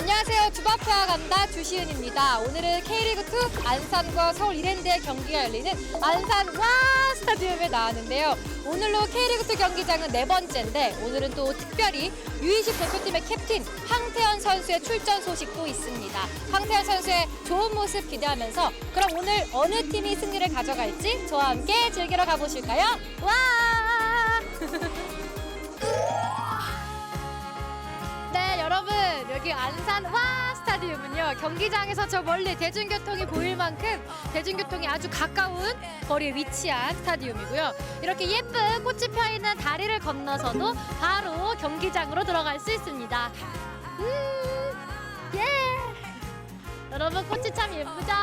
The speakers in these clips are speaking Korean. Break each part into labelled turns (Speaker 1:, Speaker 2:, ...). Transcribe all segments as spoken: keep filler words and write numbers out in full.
Speaker 1: 안녕하세요. 주바페와 간다 주시은입니다. 오늘은 K리그이 안산과 서울 이랜드의 경기가 열리는 안산 와 스타디움에 나왔는데요. 오늘로 K리그이 경기장은 네 번째인데 오늘은 또 특별히 유이십 대표팀의 캡틴 황태현 선수의 출전 소식도 있습니다. 황태현 선수의 좋은 모습 기대하면서 그럼 오늘 어느 팀이 승리를 가져갈지 저와 함께 즐기러 가보실까요? 와! 네, 여러분 여기 안산 와 스타디움은요 경기장에서 저 멀리 대중교통이 보일 만큼 대중교통이 아주 가까운 거리에 위치한 스타디움이고요. 이렇게 예쁜 꽃이 펴있는 다리를 건너서도 바로 경기장으로 들어갈 수 있습니다. 음, 예. 여러분 꽃이 참 예쁘죠?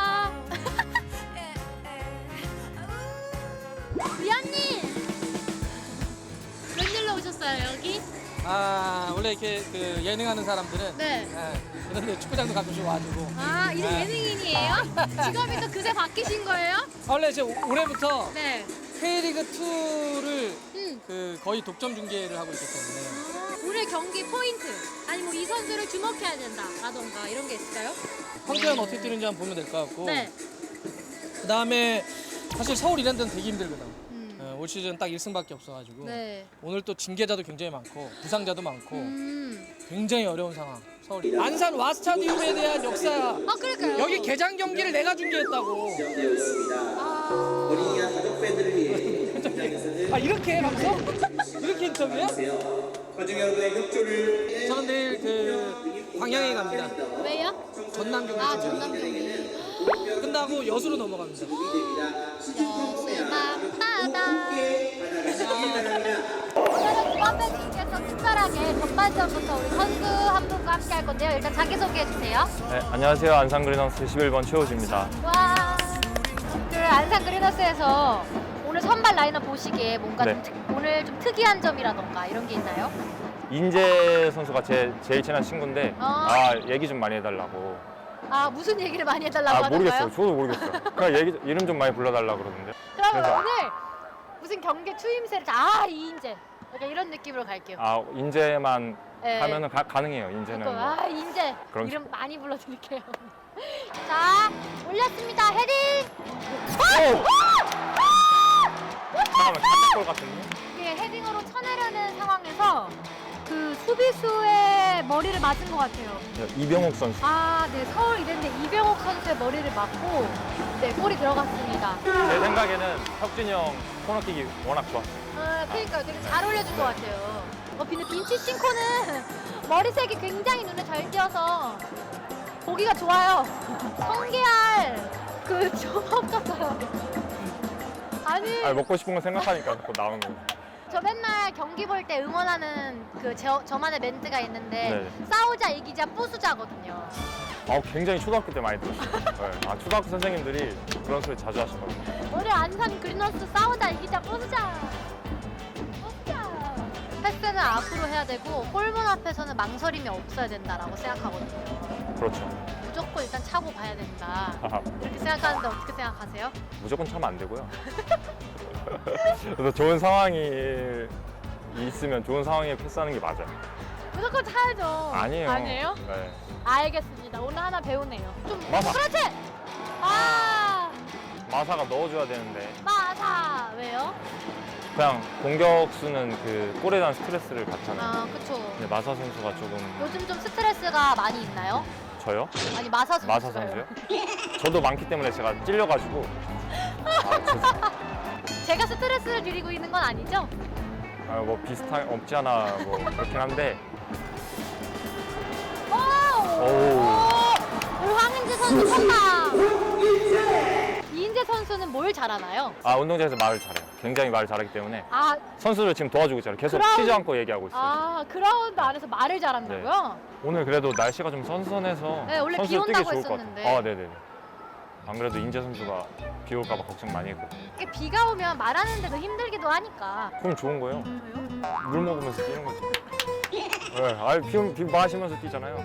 Speaker 1: 위원님 웬일로 오셨어요 여기?
Speaker 2: 아 원래 이렇게 그 예능하는 사람들은
Speaker 1: 네.
Speaker 2: 예, 이런데 축구장도 가끔씩 와주고.
Speaker 1: 아 이제
Speaker 2: 네.
Speaker 1: 예능인이에요? 직업이 또 그새 바뀌신 거예요?
Speaker 2: 원래 이제 올해부터
Speaker 1: 네.
Speaker 2: K리그이를
Speaker 1: 음.
Speaker 2: 그 거의 독점 중계를 하고 있기 때문에
Speaker 1: 아, 오늘 경기 포인트 아니 뭐 이 선수를 주목해야 된다라던가 이런 게 있을까요?
Speaker 2: 황태현 어떻게 뛰는지 한번 보면 될 것 같고.
Speaker 1: 네.
Speaker 2: 그 다음에 사실 서울 이랜드는 되게 힘들거든.
Speaker 1: 음.
Speaker 2: 예, 올 시즌 딱 일 승밖에 없어가지고
Speaker 1: 네.
Speaker 2: 오늘 또 징계자도 굉장히 많고 부상자도 많고
Speaker 1: 음.
Speaker 2: 굉장히 어려운 상황. 서울 안산 와 스타디움에 대한 역사.
Speaker 1: 아 그럴까요?
Speaker 2: 여기 개장 경기를 내가 중계했다고.
Speaker 1: 아,
Speaker 3: 어린이와 가족 팬들을 위해 현장에서는
Speaker 2: 아 이렇게 방송? 이렇게 인터뷰야?
Speaker 3: 관중 여러분의 협조를
Speaker 2: 저는 내일 그 광양에 갑니다.
Speaker 1: 왜요?
Speaker 2: 전남 경기.
Speaker 1: 아 전남 경기.
Speaker 2: 끝나고 여수로 넘어갑니다.
Speaker 1: 여수만 바다. 오늘은 주한팬님께서 특별하게 전반전부터 우리 선수 한 분과 함께 할 건데요. 일단 자기소개해 주세요.
Speaker 4: 네, 안녕하세요. 안산 그리너스 십일 번 최호주입니다.
Speaker 1: 와. 그 안산 그리너스에서 오늘 선발 라인업 보시기에 뭔가
Speaker 4: 네.
Speaker 1: 좀 특, 오늘 좀 특이한 점이라던가 이런 게 있나요?
Speaker 4: 인재 선수가 제 제일 친한 친구인데
Speaker 1: 아.
Speaker 4: 아 얘기 좀 많이 해달라고.
Speaker 1: 아 무슨 얘기를 많이 해달라고
Speaker 4: 아
Speaker 1: 하던가요?
Speaker 4: 모르겠어요. 저도 모르겠어요. 그냥 얘기 이름 좀 많이 불러달라고 그러는데.
Speaker 1: 그러면
Speaker 4: 그래서-
Speaker 1: 오늘 무슨 경기 추임새를 아 이인재 약간 이런 느낌으로 갈게요.
Speaker 4: 아 인재만
Speaker 1: 네.
Speaker 4: 하면은 가, 가능해요. 인재는.
Speaker 1: 그거, 아 인재
Speaker 4: 그럼-
Speaker 1: 이름 많이 불러드릴게요. 자 올렸습니다 헤딩.
Speaker 4: 오! 잠깐만 깜짝걸 같은데.
Speaker 1: 이게 헤딩으로 쳐내려는 상황에서 그 수비수의 머리를 맞은 것 같아요.
Speaker 4: 이병옥 선수.
Speaker 1: 아, 네 서울 이랜드 이병옥 선수의 머리를 맞고 네 골이 들어갔습니다.
Speaker 4: 제 생각에는 혁준이 형 코너킥이 워낙 좋았어요.
Speaker 1: 아, 그러니까 되게 잘 올려준 것 같아요. 어, 근데 빈치 싱코는 머리색이 굉장히 눈에 잘 띄어서 보기가 좋아요. 성게알 그 조합 같아요. 아니,
Speaker 4: 아 먹고 싶은 거 생각하니까 자꾸 나오는 거.
Speaker 1: 저 맨날 경기 볼 때 응원하는 그 저, 저만의 멘트가 있는데
Speaker 4: 네.
Speaker 1: 싸우자 이기자 부수자거든요.
Speaker 4: 아 굉장히 초등학교 때 많이 들었어요. 네. 아 초등학교 선생님들이 그런 소리 자주 하시더라고요.
Speaker 1: 우리 안산 그리너스 싸우자 이기자 부수자 부수자. 패스는 앞으로 해야 되고 골문 앞에서는 망설임이 없어야 된다라고 생각하거든요.
Speaker 4: 그렇죠.
Speaker 1: 무조건 일단 차고 가야 된다
Speaker 4: 하하.
Speaker 1: 이렇게 생각하는데 어떻게 생각하세요?
Speaker 4: 무조건 차면 안 되고요. 그래서 좋은 상황이 있으면 좋은 상황에 패스하는 게 맞아요.
Speaker 1: 무조건 차야죠.
Speaker 4: 아니에요.
Speaker 1: 아니에요?
Speaker 4: 네.
Speaker 1: 알겠습니다. 오늘 하나 배우네요. 좀
Speaker 4: 마사.
Speaker 1: 그렇지. 아
Speaker 4: 마사가 넣어줘야 되는데
Speaker 1: 마사 왜요?
Speaker 4: 그냥 공격수는 그 골에 대한 스트레스를 받잖아요.
Speaker 1: 아 그쵸.
Speaker 4: 근데 마사 선수가 조금
Speaker 1: 요즘 좀 스트레스가 많이 있나요?
Speaker 4: 저요?
Speaker 1: 아니 마사 선수.
Speaker 4: 마사 선수요? 저도 많기 때문에 제가 찔려가지고 아, 죄송-
Speaker 1: 제가 스트레스를 드리고 있는 건 아니죠?
Speaker 4: 아, 뭐 비슷한 없지 않아 뭐 그렇긴 한데
Speaker 1: 오!
Speaker 4: 오.
Speaker 1: 우리 황인재 선수 쳤다. 이인재 선수는 뭘 잘하나요?
Speaker 4: 아 운동장에서 말을 잘해요. 굉장히 말을 잘하기 때문에
Speaker 1: 아,
Speaker 4: 선수를 지금 도와주고 있잖아요. 계속
Speaker 1: 그럼-
Speaker 4: 쉬지 않고 얘기하고 있어요.
Speaker 1: 아 그라운드 안에서 말을 잘한다고요?
Speaker 4: 오늘 그래도 날씨가 좀 선선해서
Speaker 1: 네, 원래 비
Speaker 4: 선수들 뛰기
Speaker 1: 온다고
Speaker 4: 좋을 것
Speaker 1: 했었는데.
Speaker 4: 같아요. 아, 네네. 안 그래도 인재 선수가 비 올까 봐 걱정 많이 했고.
Speaker 1: 이게 비가 오면 말하는데도 힘들기도 하니까.
Speaker 4: 그럼 좋은 거예요.
Speaker 1: 왜요?
Speaker 4: 물 먹으면서 뛰는 거지. 네, 아, 비, 비 마시면서 뛰잖아요.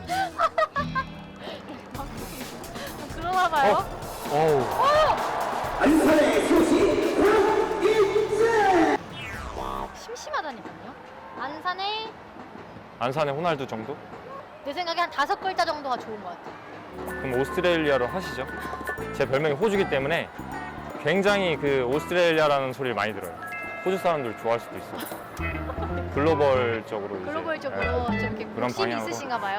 Speaker 1: 그러나 봐요.
Speaker 4: 어? 어우.
Speaker 3: 안산의 소식 인재.
Speaker 1: 심심하다니까요. 안산에
Speaker 4: 안산의 호날두 정도?
Speaker 1: 내 생각에 한 다섯 글자 정도가 좋은 것 같아.
Speaker 4: 그럼 오스트레일리아로 하시죠. 제 별명이 호주기 때문에 굉장히 그 오스트레일리아라는 소리를 많이 들어요. 호주 사람들 좋아할 수도 있어요. 글로벌적으로 이제,
Speaker 1: 글로벌적으로 좀 이렇게
Speaker 4: 그런
Speaker 1: 욕심이
Speaker 4: 방향으로.
Speaker 1: 있으신가 봐요.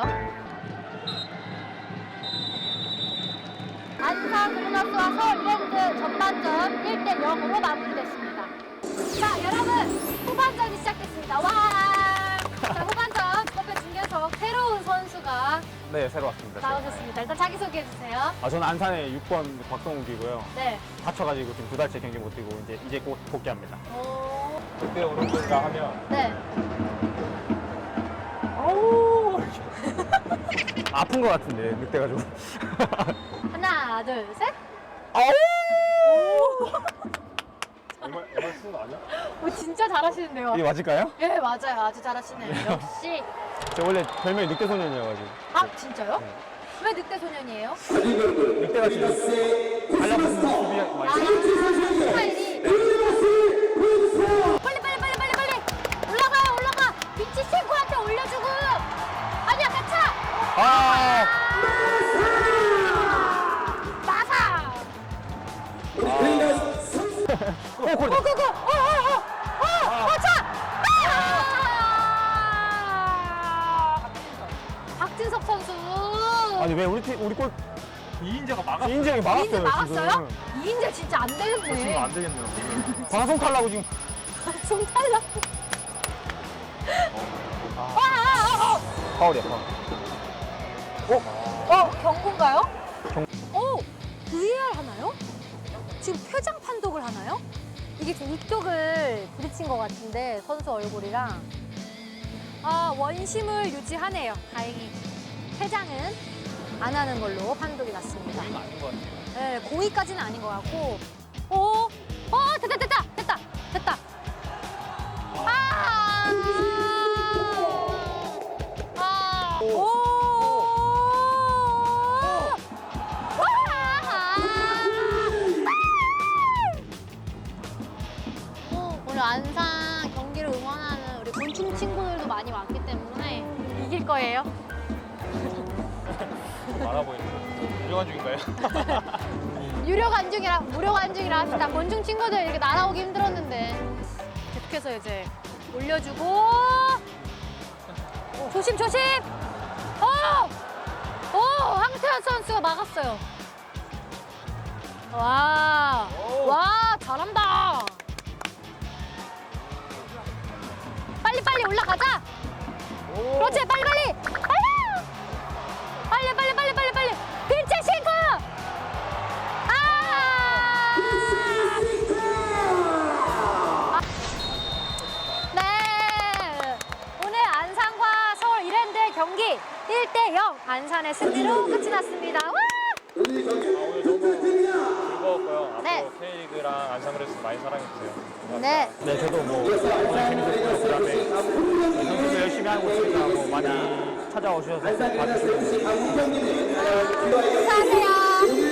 Speaker 1: 안산 브루너스와 서울 이랜드 전반전 일 대 영으로 마무리됐습니다. 자, 여러분 후반전이 시작됐습니다. 와! 자, 후반전 주바페 중계석 새로운 선수가
Speaker 5: 네, 새로 왔습니다.
Speaker 1: 나오셨습니다. 일단 자기 소개해 주세요.
Speaker 5: 아, 저는 안산의 육 번 박성욱이고요.
Speaker 1: 네.
Speaker 5: 다쳐가지고 지금 두 달째 경기 못 뛰고 이제 이제 곧 복귀합니다.
Speaker 1: 오.
Speaker 5: 그때 오른쪽이라 하면
Speaker 1: 네.
Speaker 5: 어우 아픈 것 같은데 늑대가지고.
Speaker 1: 하나, 둘, 셋.
Speaker 5: 정말 정말 쓰는 거 아니야?
Speaker 1: 오, 진짜 잘하시는데요.
Speaker 5: 이게 맞을까요?
Speaker 1: 네, 맞아요. 아주 잘하시네요. 역시.
Speaker 5: 저 원래 별명이 늑대 소년이어가지고.
Speaker 1: 아, 진짜요? 왜 늑대 소년이에요?
Speaker 5: 늑대가 지금 달려붙는 수비
Speaker 1: 아,
Speaker 5: 많이.
Speaker 1: 스타일이. 빨리 빨리 빨리 빨리 빨리 올라가요 올라가. 비치친구한테 올려주고. 아니야 가차.
Speaker 5: 아,
Speaker 1: 나사.
Speaker 5: 오, 골.
Speaker 1: 고고고. 어어어어. 가차. 박진섭 선수.
Speaker 5: 아니 왜 우리 팀 우리 골
Speaker 4: 이인재가 막았어요.
Speaker 5: 이인재 형이 막았어요.
Speaker 1: 이인재 막았어요?
Speaker 5: 지금.
Speaker 1: 이인재 진짜 안 되겠네.
Speaker 4: 안 되겠네요.
Speaker 5: 방송 탈라고 지금.
Speaker 1: 좀 탈락. 아, 아, 아,
Speaker 5: 파울이야 파울.
Speaker 1: 어, 어, 경고인가요? 오, 브이알 하나요? 지금 표정 판독을 하나요? 이게 좀 이쪽을 부딪힌 것 같은데 선수 얼굴이랑 아 원심을 유지하네요. 다행히 퇴장은 안 하는 걸로 판독이 났습니다.
Speaker 2: 아닌 것 같아요.
Speaker 1: 네, 고의까지는 아닌 것 같고. 오, 어, 됐다, 됐다, 됐다, 됐다. 아, 아, 오, 와, 오늘 안산 경기를 응원하는 우리 곤충 친구들도 많이 왔기 때문에 이길 거예요.
Speaker 4: 많아 보이는 유명한 중인가요?
Speaker 1: 유료 관중이라 무료 관중이라 합시다. 곤충 친구들 이렇게 날아오기 힘들었는데 계속해서 이제 올려주고 조심 조심. 오, 오 황태현 선수가 막았어요. 와, 와 잘한다. 빨리 빨리 올라가자. 그렇지 빨리 빨리. 빨리 빨리 빨리 빨리 빨리. 빈체싱크. 아! 네. 오늘 안산과 서울 이랜드의 경기 일 대 영 안산의 승리로 끝이 났습니다. 와!
Speaker 4: 오늘 너무 즐거웠고요. 앞으로
Speaker 1: 네.
Speaker 4: K리그랑 안산브레스 많이 사랑해주세요.
Speaker 1: 네.
Speaker 5: 네, 저도 뭐 오늘 재밌었고요. 그다음에 선수들 열심히 하고 있으니까 뭐 많이 찾아오셔서 봐주시고.
Speaker 1: 감사하세요.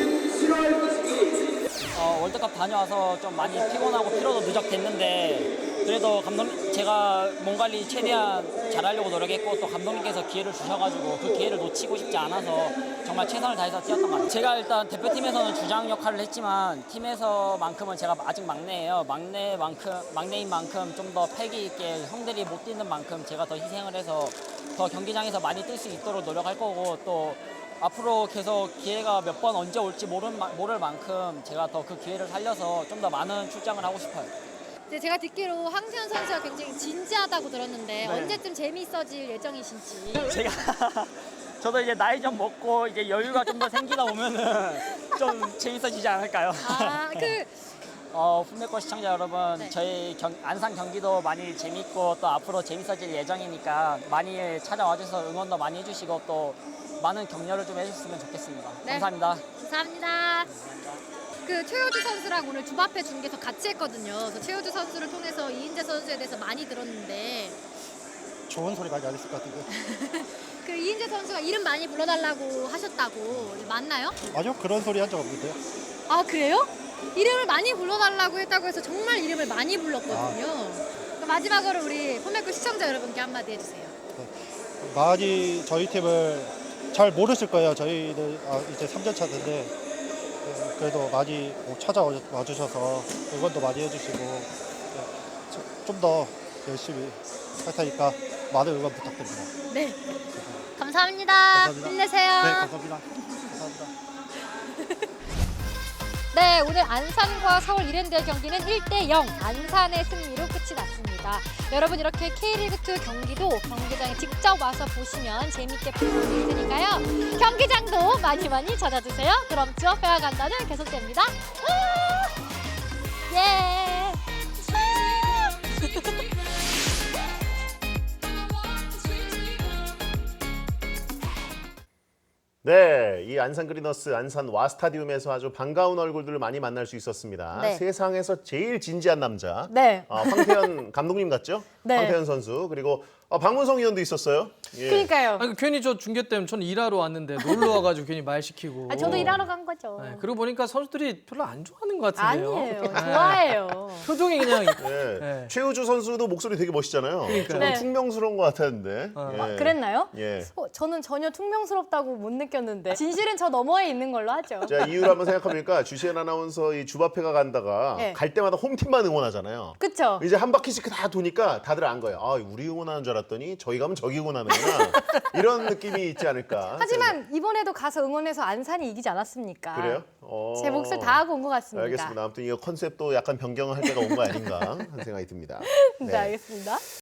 Speaker 6: 어, 월드컵 다녀와서 좀 많이 피곤하고 피로도 누적됐는데 그래도 감독님 제가 몸 관리 최대한 잘하려고 노력했고 또 감독님께서 기회를 주셔가지고 그 기회를 놓치고 싶지 않아서 정말 최선을 다해서 뛰었던 것 같아요. 제가 일단 대표팀에서는 주장 역할을 했지만 팀에서만큼은 제가 아직 막내예요. 막내만큼 막내인 만큼 좀 더 패기 있게 형들이 못 뛰는 만큼 제가 더 희생을 해서 더 경기장에서 많이 뛸 수 있도록 노력할 거고 또 앞으로 계속 기회가 몇 번 언제 올지 모를, 모를 만큼 제가 더 그 기회를 살려서 좀 더 많은 출장을 하고 싶어요.
Speaker 1: 네, 제가 듣기로 황태현 선수가 굉장히 진지하다고 들었는데
Speaker 6: 네.
Speaker 1: 언제쯤 재미있어질 예정이신지.
Speaker 6: 제가 저도 이제 나이 좀 먹고 이제 여유가 좀 더 생기다 보면은 좀 재밌어지지 않을까요?
Speaker 1: 아, 그
Speaker 6: 어, 품맥고 시청자 여러분,
Speaker 1: 네.
Speaker 6: 저희 경, 안산 경기도 많이 재밌고 또 앞으로 재밌어질 예정이니까 많이 찾아와 주셔서 응원도 많이 해주시고 또 많은 격려를 좀 해주셨으면 좋겠습니다.
Speaker 1: 네.
Speaker 6: 감사합니다.
Speaker 1: 감사합니다. 그 최효주 선수랑 오늘 주바페 중계석 같이 했거든요. 그래서 최효주 선수를 통해서 이인재 선수에 대해서 많이 들었는데
Speaker 7: 좋은 소리 많이 안 했을 것 같은데.
Speaker 1: 그 이인재 선수가 이름 많이 불러달라고 하셨다고 맞나요?
Speaker 7: 아니요, 그런 소리 한 적 없는데요.
Speaker 1: 아 그래요? 이름을 많이 불러달라고 했다고 해서 정말 이름을 많이 불렀거든요. 그럼 마지막으로 우리 폼메코 시청자 여러분께 한마디 해주세요.
Speaker 7: 많이 저희 팀을 잘 모르실 거예요. 저희들 아, 이제 삼 년 차인데 그래도 많이 뭐 찾아와 주셔서 응원도 많이 해주시고 좀 더 열심히 할 테니까 많은 응원 부탁드립니다.
Speaker 1: 네. 감사합니다.
Speaker 7: 감사합니다.
Speaker 1: 힘내세요.
Speaker 7: 네, 감사합니다. 감사합니다.
Speaker 1: 네, 오늘 안산과 서울 이랜드의 경기는 일 대 영 안산의 승리로 끝이 났습니다. 여러분 이렇게 K리그투 경기도 경기장에 직접 와서 보시면 재밌게 볼 수 있으니까요. 경기장도 많이 많이 찾아주세요. 그럼 주어페어 간다는 계속됩니다. 우! 예!
Speaker 8: 네, 이 안산 그리너스 안산 와 스타디움에서 아주 반가운 얼굴들을 많이 만날 수 있었습니다.
Speaker 1: 네.
Speaker 8: 세상에서 제일 진지한 남자,
Speaker 1: 네.
Speaker 8: 어, 황태현 감독님 같죠?
Speaker 1: 네.
Speaker 8: 황태현 선수 그리고 어, 박문성 위원도 있었어요. 예.
Speaker 1: 그러니까요.
Speaker 2: 아니, 괜히 저 중계 때문에 저는 일하러 왔는데 놀러 와가지고 괜히 말 시키고.
Speaker 1: 아, 저도 일하러 간 거죠.
Speaker 2: 네, 그러고 보니까 선수들이 별로 안 좋아하는 것 같은데요.
Speaker 1: 아니에요.
Speaker 2: 네.
Speaker 1: 좋아해요.
Speaker 2: 표정이 그냥
Speaker 8: 예.
Speaker 2: 네.
Speaker 8: 최우주 선수도 목소리 되게 멋있잖아요.
Speaker 2: 그러니까요.
Speaker 8: 좀
Speaker 1: 네.
Speaker 8: 퉁명스러운 것 같았는데.
Speaker 2: 어.
Speaker 8: 예.
Speaker 1: 아, 그랬나요?
Speaker 8: 예.
Speaker 1: 어, 저는 전혀 퉁명스럽다고 못 느꼈는데 진실은 저 너머에 있는 걸로 하죠.
Speaker 8: 자, 이유를 한번 생각해보니까 주시은 아나운서 이 주바페가 간다가
Speaker 1: 네.
Speaker 8: 갈 때마다 홈팀만 응원하잖아요.
Speaker 1: 그쵸?
Speaker 8: 이제 한 바퀴씩 다 도니까 다들 안 거예요. 아, 우리 응원하는 줄 알았더니 저희 가면 저기 응원하는구나. 이런 느낌이 있지 않을까.
Speaker 1: 하지만 이번에도 가서 응원해서 안산이 이기지 않았습니까?
Speaker 8: 그래요? 어...
Speaker 1: 제 몫을 다하고 온 것 같습니다.
Speaker 8: 알겠습니다. 아무튼 이 컨셉도 약간 변경할 때가 온 거 아닌가 하는 생각이 듭니다.
Speaker 1: 네, 알겠습니다.